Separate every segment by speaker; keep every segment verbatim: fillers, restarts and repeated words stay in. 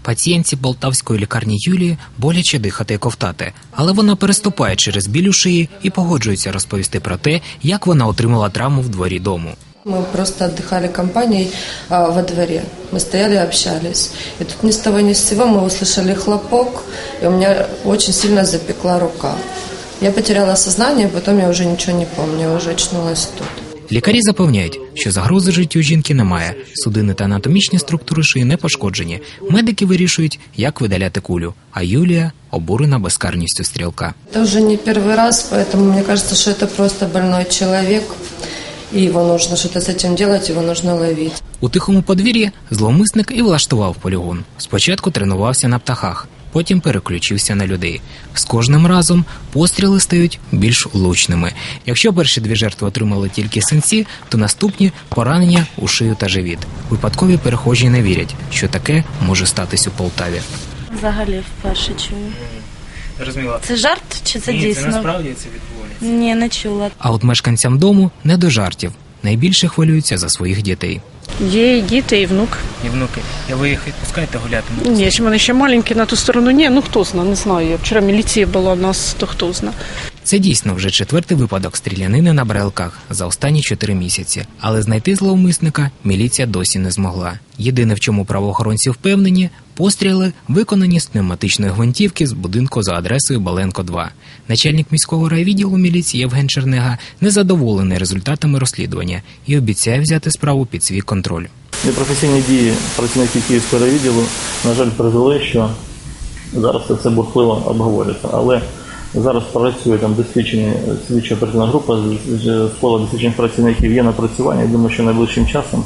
Speaker 1: Пацієнтці полтавської лікарні Юлії боляче дихати і ковтати, але вона переступає через біль у шиї і погоджується розповісти про те, як вона отримала травму в дворі дому.
Speaker 2: Мы просто отдыхали компанией а, во дворе. Мы стояли и общались. И тут ни с того ни с сего мы услышали хлопок, и у меня очень сильно запекла рука. Я потеряла сознание, потом я уже ничего не помню, я уже очнулась тут.
Speaker 1: Лікарі запевняють, що загрози життю жінки немає. Судини та анатомічні структури шиї не пошкоджені. Медики вирішують, як видаляти кулю. А Юлія обурена безкарністю стрілка.
Speaker 2: Это уже не первый раз, поэтому мне кажется, что это просто больной человек. И его нужно что-то с этим делать, его нужно ловить.
Speaker 1: У тихому подвір'ї зловмисник і влаштував полігон. Спочатку тренувався на птахах, потім переключився на людей. З кожним разом постріли стають більш влучними. Якщо перші дві жертви отримали тільки синці, то наступні – поранення у шию та живіт. Випадкові перехожі не вірять, що таке може статись у Полтаві.
Speaker 3: Взагалі вперше чую.
Speaker 1: Розуміло.
Speaker 3: Це жарт чи це
Speaker 1: Ні,
Speaker 3: дійсно?
Speaker 1: це насправді це відбувається.
Speaker 3: Ні, не чула.
Speaker 1: А от мешканцям дому не до жартів. Найбільше хвилюються за своїх дітей.
Speaker 4: Є і діти, і внук.
Speaker 1: І внуки. І ви їх відпускаєте гуляти?
Speaker 4: Ні, ще вони ще маленькі на ту сторону. Ні, ну хто знає, не знаю. Вчора міліція була у нас, то хто знає.
Speaker 1: Це дійсно вже четвертий випадок стрілянини на Брайлках за останні чотири місяці. Але знайти зловмисника міліція досі не змогла. Єдине, в чому правоохоронці впевнені – постріли виконані з пневматичної гвинтівки з будинку за адресою Баленко два. Начальник міського райвідділу міліції Євген Чернега незадоволений результатами розслідування і обіцяє взяти справу під свій контроль.
Speaker 5: Непрофесійні дії працівників Київського райвідділу, на жаль, призвели, що зараз це все бурхливо обговорюється. Але зараз працює там досвідчена слідча оперативна група з кола досвідчених працівників, є напрацювання. Я думаю, що найближчим часом,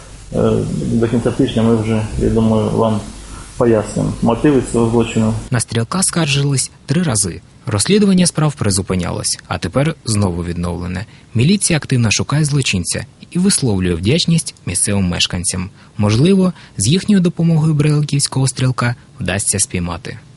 Speaker 5: до кінця тижня, ми вже, я думаю, вам пояснимо мотиви цього злочину.
Speaker 1: На стрілка скаржились три рази. Розслідування справ призупинялось, а тепер знову відновлене. Міліція активно шукає злочинця і висловлює вдячність місцевим мешканцям. Можливо, з їхньою допомогою брайлківського стрілка вдасться спіймати.